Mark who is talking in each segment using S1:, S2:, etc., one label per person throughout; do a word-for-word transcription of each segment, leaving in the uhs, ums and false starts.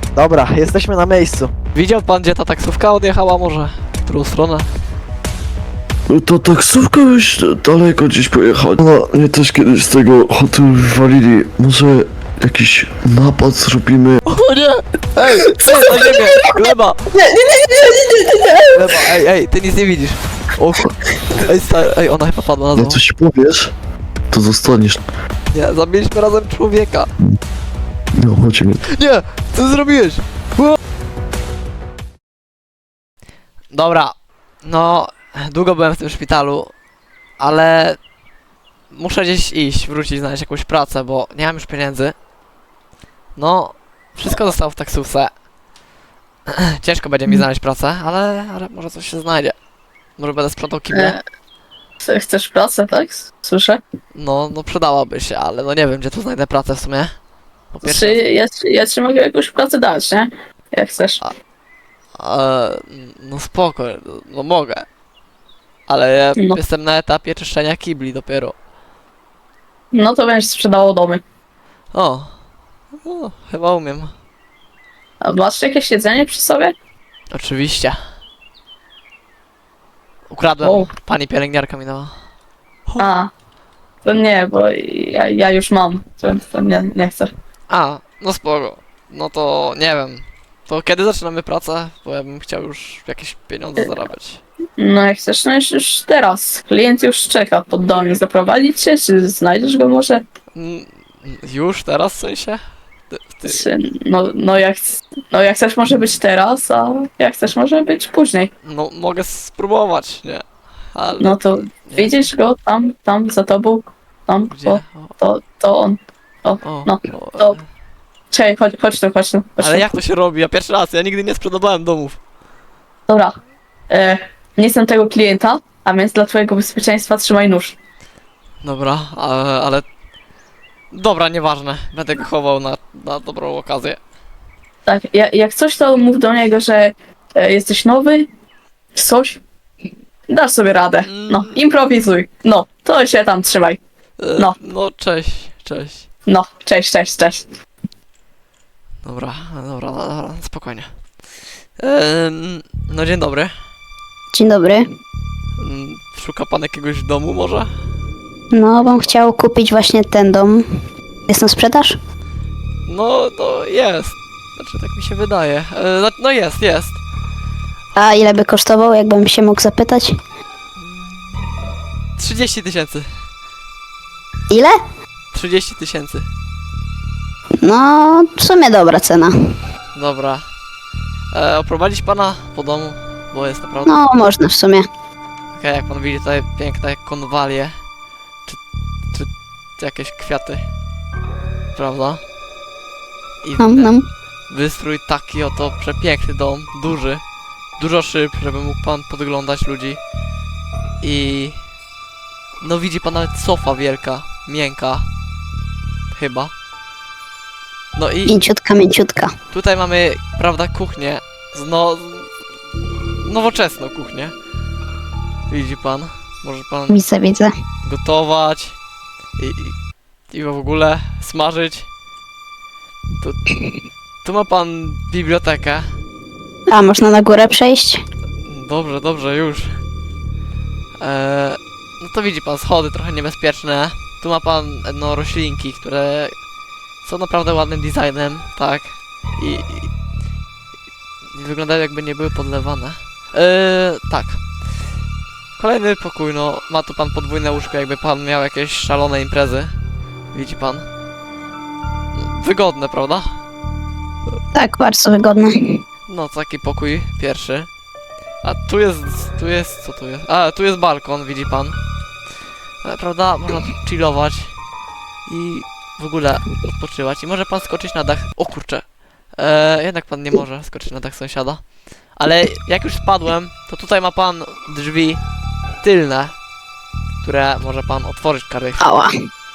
S1: Dobra, jesteśmy na miejscu.
S2: Widział pan, gdzie ta taksówka odjechała może? W którą stronę?
S3: To taksówka już daleko gdzieś pojechała. No, mnie też kiedyś z tego hotelu wywalili. Może jakiś napad zrobimy?
S2: O nie! Ej, co na ziemię? Gleba!
S4: Nie, nie, nie, nie, nie, nie, nie.
S2: Gleba, ej, ej, ty nic nie widzisz. O, kur- ej, stary, ej, ona chyba padła na
S3: Jak
S2: dół.
S3: coś powiesz, to zostaniesz.
S2: Nie, zabiliśmy razem człowieka.
S3: No, chodźmy.
S2: Nie! Co zrobiłeś? O! Dobra, no, długo byłem w tym szpitalu, ale muszę gdzieś iść, wrócić, znaleźć jakąś pracę, bo nie mam już pieniędzy. No, wszystko zostało w taksówce. Ciężko będzie mi znaleźć pracę, ale, ale może coś się znajdzie. Może będę sprzątał kible.
S4: E, co, chcesz pracę, tak? Słyszę.
S2: No, no przydałaby się, ale no nie wiem, gdzie tu znajdę pracę w sumie. Po pierwsze,
S4: Czy ja, ci- ja ci mogę jakąś pracę dać, nie? Jak chcesz.
S2: e, no spoko, no mogę. Ale ja
S4: No.
S2: jestem na etapie czyszczenia kibli dopiero.
S4: No to będziesz sprzedało domy.
S2: O, no, chyba umiem.
S4: A masz jakieś jedzenie przy sobie?
S2: Oczywiście. Ukradłem,
S4: O.
S2: pani pielęgniarka mi dała.
S4: A. To nie, bo ja, ja już mam. To, to nie, nie chcę.
S2: A, no spoko. No to nie wiem. To kiedy zaczynamy pracę? Bo ja bym chciał już jakieś pieniądze zarabiać.
S4: No jak chcesz, no już, już teraz. Klient już czeka pod domem. Zaprowadzić cię, czy znajdziesz go może?
S2: Mm, Już teraz w sensie? Ty, ty,
S4: Czy, no, no, jak, no jak chcesz może być teraz, a jak chcesz może być później.
S2: no mogę spróbować, nie? Ale
S4: No to
S2: nie.
S4: widzisz go tam, tam za tobą, tam,
S2: Gdzie?
S4: o,
S2: O,
S4: to, to on. O,
S2: o,
S4: no,
S2: o,
S4: to- czekaj, chodź, chodź tu, chodź tu. Chodź
S2: Ale
S4: tu.
S2: jak to się robi? Ja pierwszy raz, ja nigdy nie sprzedawałem domów.
S4: Dobra, e, nie jestem tego klienta, a więc dla twojego bezpieczeństwa trzymaj nóż.
S2: Dobra, ale, ale... Dobra, nieważne. Będę go chował na, na dobrą okazję.
S4: Tak, ja, jak coś to mów do niego, że e, jesteś nowy, coś, dasz sobie radę. No, improwizuj. No, to się tam trzymaj.
S2: E,
S4: No.
S2: No, cześć, cześć.
S4: No, cześć, cześć, cześć.
S2: Dobra, dobra, dobra, spokojnie. Ehm, no dzień dobry.
S5: Dzień dobry.
S2: Mm, Szuka pan jakiegoś domu może?
S5: No, bym chciał kupić właśnie ten dom. Jest na sprzedaż?
S2: No, to jest. Znaczy, tak mi się wydaje. E, no, no jest, jest.
S5: A ile by kosztował, jakbym się mógł zapytać?
S2: trzydzieści tysięcy.
S5: Ile?
S2: trzydzieści tysięcy.
S5: No, w sumie dobra cena.
S2: Dobra. E, oprowadzić pana po domu, bo jest naprawdę...
S5: No, można w sumie.
S2: Okej, jak pan widzi tutaj piękne konwalie. Czy, czy, czy jakieś kwiaty. Prawda? I
S5: No, no.
S2: wystrój taki oto przepiękny dom, duży. Dużo szyb, żeby mógł pan podglądać ludzi. I... No widzi pan nawet sofa wielka, miękka. Chyba. No i
S5: Mięciutka, mięciutka.
S2: tutaj mamy, prawda, kuchnię. Z no... z- Nowoczesną kuchnię. Widzi pan? Może pan
S5: Widzę, widzę.
S2: gotować i, i, i w ogóle smażyć. Tu, tu ma pan bibliotekę.
S5: A, można na górę przejść?
S2: Dobrze, dobrze, już. Eee, no to widzi pan, schody trochę niebezpieczne. Tu ma pan no, roślinki, które są naprawdę ładnym designem, tak. I, i, i wyglądają jakby nie były podlewane. Eee, tak. Kolejny pokój, no ma tu pan podwójne łóżko, jakby pan miał jakieś szalone imprezy. Widzi pan? Wygodne, prawda?
S5: Tak, bardzo wygodne.
S2: No, taki pokój pierwszy. A tu jest, tu jest, co tu jest? A, tu jest balkon, widzi pan. E, prawda? Można tu chillować i w ogóle odpoczywać. I może pan skoczyć na dach. O kurczę. E, jednak pan nie może skoczyć na dach sąsiada. Ale jak już spadłem, to tutaj ma pan drzwi tylne, które może pan otworzyć każdej chwili.
S5: Ała.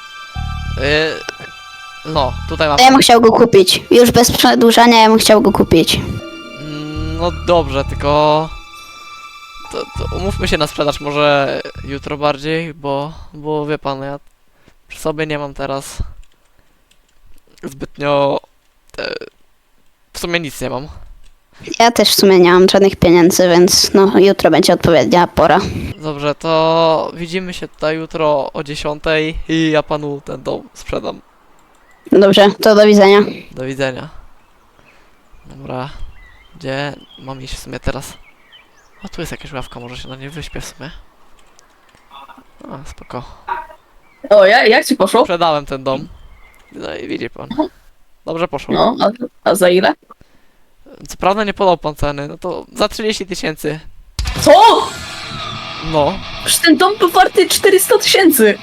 S2: E, no, tutaj ma
S5: To ja bym chciał go kupić. Już bez przedłużania ja bym chciał go kupić.
S2: Mm, No dobrze, tylko to, to umówmy się na sprzedaż może jutro bardziej, bo, bo wie pan, ja przy sobie nie mam teraz zbytnio e, sumie nic nie mam.
S5: Ja też w sumie nie mam żadnych pieniędzy, więc no jutro będzie odpowiednia pora.
S2: Dobrze, to widzimy się tutaj jutro o dziesiątej i ja panu ten dom sprzedam.
S5: Dobrze, to do widzenia.
S2: Do widzenia. Dobra. Gdzie mam iść w sumie teraz? O, tu jest jakaś ławka, może się na niej wyśpię w sumie. A, spoko.
S4: O, ja, jak ci poszło?
S2: Sprzedałem ten dom. No i widzi pan. Dobrze poszło.
S4: No, a, a za ile?
S2: Co prawda nie podał pan ceny, no to za trzydzieści tysięcy.
S4: Co?
S2: No,
S4: Przecież ten dom był warty czterysta tysięcy.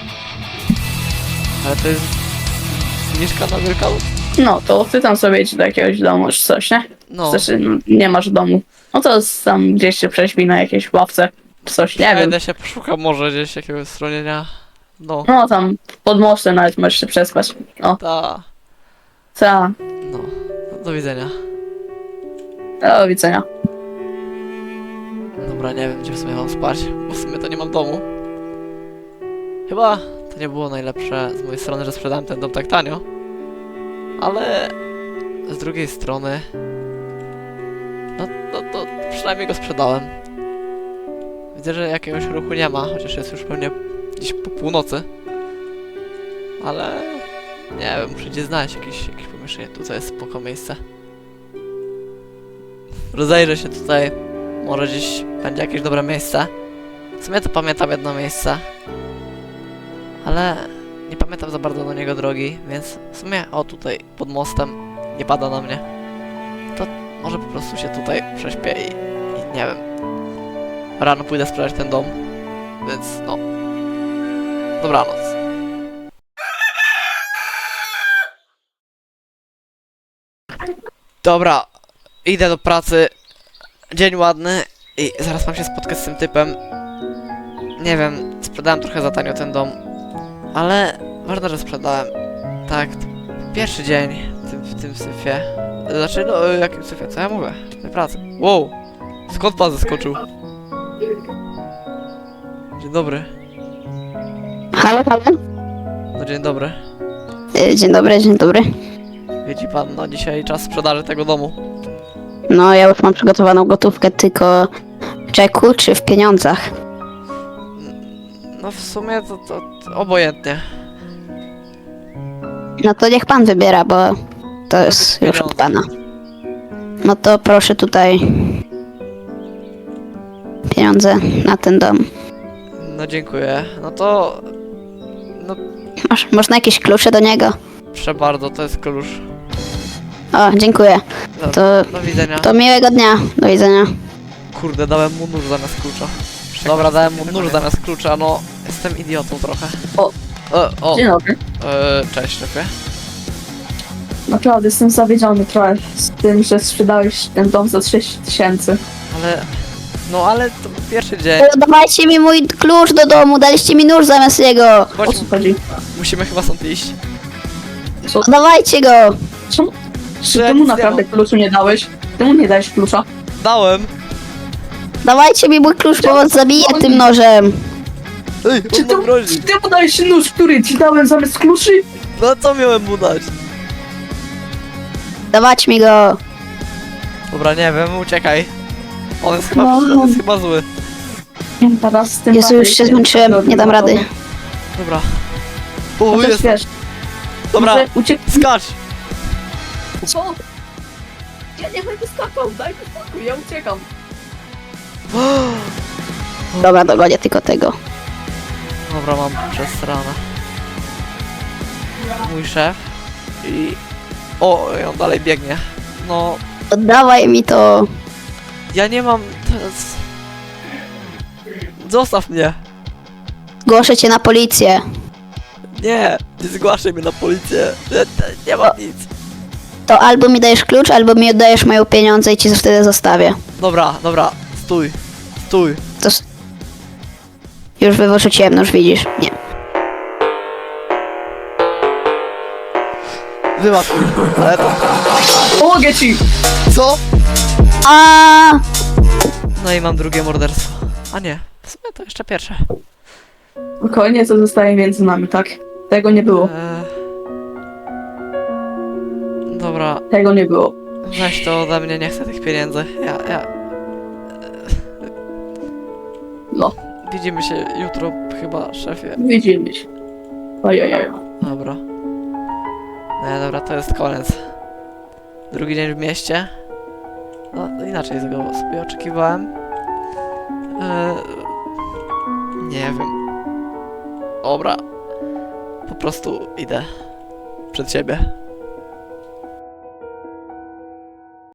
S2: ale to jest zniżka na Wielkanoc.
S4: No, to ty tam sobie idź do jakiegoś domu czy coś, nie?
S2: No,
S4: Znaczy, no, nie masz domu. No to tam gdzieś się prześpi na jakiejś ławce, czy coś, nie wiem.
S2: będę się poszukał może gdzieś jakiegoś schronienia. No,
S4: No tam pod mostem nawet możesz się przespać. No,
S2: ta,
S4: ta.
S2: no. Do widzenia.
S4: Do widzenia.
S2: Dobra, nie wiem gdzie w sumie mam spać, bo w sumie to nie mam domu. Chyba to nie było najlepsze z mojej strony, że sprzedałem ten dom tak tanio. Ale z drugiej strony, no to, to przynajmniej go sprzedałem. Widzę, że jakiegoś ruchu nie ma, chociaż jest już pewnie gdzieś po północy. Ale nie wiem, muszę gdzieś znaleźć jakieś, jakieś pomieszczenie. Tutaj jest spoko miejsce. Rozejrzę się tutaj. Może gdzieś będzie jakieś dobre miejsce. W sumie to pamiętam jedno miejsce. Ale nie pamiętam za bardzo do niego drogi, więc w sumie o tutaj pod mostem nie pada na mnie. To może po prostu się tutaj prześpię i, i nie wiem. Rano pójdę sprawdzić ten dom. Więc no. Dobranoc. Dobra, idę do pracy. Dzień ładny i zaraz mam się spotkać z tym typem. Nie wiem, sprzedałem trochę za tanio ten dom, ale ważne, że sprzedałem. Tak, to pierwszy dzień w tym, w tym syfie. Znaczy, no, jakim syfie? Co ja mówię? W tej pracy. Wow, skąd pan zeskoczył? Dzień dobry.
S5: Halo, halo?
S2: No dzień dobry.
S5: Y, Dzień dobry, dzień dobry.
S2: Widzi pan, no dzisiaj czas sprzedaży tego domu.
S5: No ja już mam przygotowaną gotówkę, tylko w czeku czy w pieniądzach?
S2: No w sumie to, to, to obojętnie.
S5: No to niech pan wybiera, bo to jest już od pana. No to proszę tutaj pieniądze na ten dom.
S2: No dziękuję. No to... No
S5: Masz, można jakieś klucze do niego?
S2: proszę bardzo, to jest klucz.
S5: O, dziękuję.
S2: Do,
S5: To-
S2: do widzenia.
S5: To miłego dnia. Do widzenia.
S2: Kurde, dałem mu nóż zamiast klucza. Dobra, dałem mu nóż zamiast klucza, no jestem idiotą trochę.
S4: O.
S2: E, o,
S4: Dzień dobry.
S2: e, cześć szefie.
S4: Naprawdę jestem zawiedziony trochę z tym, że sprzedałeś ten dom za trzydzieści tysięcy.
S2: Ale, no ale to był pierwszy dzień.
S5: Dawajcie mi mój klucz do domu, daliście mi nóż zamiast jego.
S4: O
S2: Chodź,
S4: co chodzi?
S2: musimy chyba stąd iść.
S4: Co?
S5: Dawajcie go.
S4: Czemu? Czy
S2: Ja
S4: temu
S2: nic nie
S4: naprawdę
S2: mam.
S4: kluczu nie dałeś? Temu nie dałeś klucza?
S2: Dałem.
S5: Dawajcie mi mój klucz, bo was zabiję tym nożem.
S2: Ej,
S4: Czy
S2: on nam
S4: ty,
S2: grozi.
S4: czy ty mu dałeś nóż, który ci dałem zamiast kluczy?
S2: No co miałem mu dać?
S5: Dawać mi go.
S2: Dobra, nie wiem, uciekaj. On jest chyba,
S4: No.
S2: on jest chyba zły.
S4: Teraz z tym
S5: Jezu, już się zmęczyłem, nie dam rady.
S2: Dobra.
S4: No
S2: O,
S4: też
S2: jest.
S4: wiesz,
S2: Dobra,
S4: może uciek...
S2: skacz.
S4: Co? Ja nie będę skakał, daj mi spokój, ja uciekam.
S5: Dobra, dogonię tylko tego.
S2: Dobra, mam przestranę. Mój szef. I... O, i on dalej biegnie. No,
S5: Oddawaj mi to.
S2: ja nie mam teraz... Zostaw mnie.
S5: Zgłoszę cię na policję.
S2: Nie, nie zgłaszaj mnie na policję. Nie, nie, nie mam nic.
S5: To albo mi dajesz klucz, albo mi oddajesz moje pieniądze i ci wtedy zostawię.
S2: Dobra, dobra, stój. Stój.
S5: To... s- Już wyrzuciłem nóż, widzisz? Nie.
S2: Wyłap mnie. Ale to...
S4: Pomogę ci!
S2: Co?
S5: A!
S2: No i mam drugie morderstwo. A nie, w sumie to jeszcze pierwsze.
S4: Spokojnie, co zostaje między nami, tak? Tego nie było,
S2: Eee... Dobra,
S4: tego nie było.
S2: Weź to ode mnie, nie chcę tych pieniędzy. Ja, ja...
S4: No,
S2: Widzimy się jutro chyba, szefie.
S4: widzimy się. Ojojoj.
S2: Dobra. No dobra, to jest koniec. Drugi dzień w mieście. No, inaczej tego sobie oczekiwałem. Eee, nie wiem. Dobra. Po prostu idę przed siebie.